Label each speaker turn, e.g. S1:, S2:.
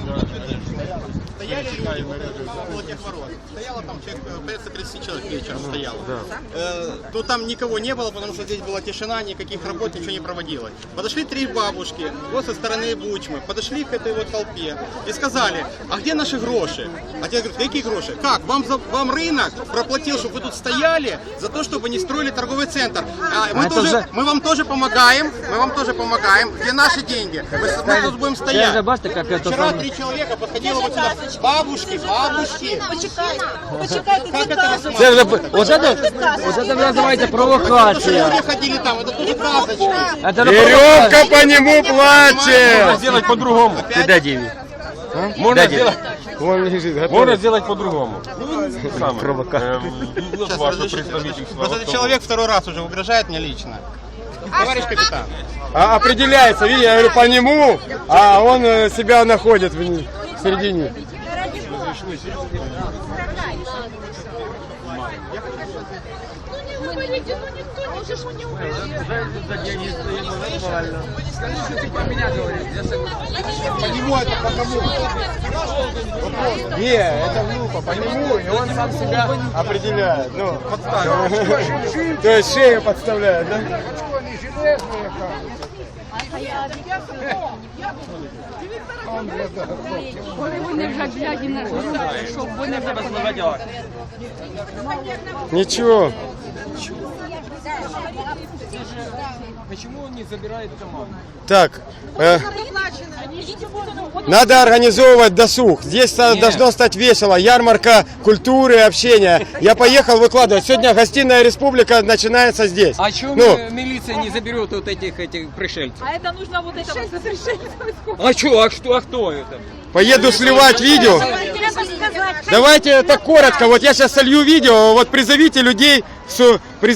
S1: Стояли люди около тех ворот. Стояло там человек, порядка 30 человек вечером стояло. То там никого не было, потому что здесь была тишина, никаких работ, ничего не проводилось. Подошли 3 бабушки, вот со стороны Бучмы, подошли к этой вот толпе и сказали, а где наши гроши? А те говорят, какие гроши? Как? Вам рынок проплатил, чтобы вы тут стояли, за то, чтобы не строили торговый центр. Мы вам тоже помогаем, Где наши деньги? Мы тут будем стоять. Вчера 3 человека подходило вот сюда. Бабушки.
S2: Почекайте,
S1: Как это рассматривать?
S3: Це вже, вот это называется провокация.
S1: Люди ходили там, это тоже красочно.
S4: Веревка по нему плачет.
S5: Сделать по-другому.
S3: Ты дай деньги.
S5: Можно сделать,
S4: Вон лежит, готов.
S5: можно сделать по-другому.
S3: Провокация.
S1: Сейчас,
S5: Ваше
S1: разрешите.
S5: представительство.
S1: Просто этот человек второй раз уже угрожает мне лично. Товарищ капитан.
S4: Определяется, видите, я говорю по нему, а он себя находит в середине.
S1: По нему это по кому?
S4: Не, это глупо, по нему, и он сам себя определяет. Ну, то есть шею подставляет, да? Ничего.
S5: Почему он не забирает команду?
S4: Так, надо организовывать досуг. Здесь должно стать весело. Ярмарка культуры, общения. Я поехал выкладывать. Сегодня гостиная республика начинается здесь.
S6: А чего милиция не заберет вот этих пришельцев?
S2: А это нужно вот это вот разрешение.
S6: А кто это?
S4: Поеду сливать видео. Давайте это коротко. Вот я сейчас солью видео. Вот призовите людей.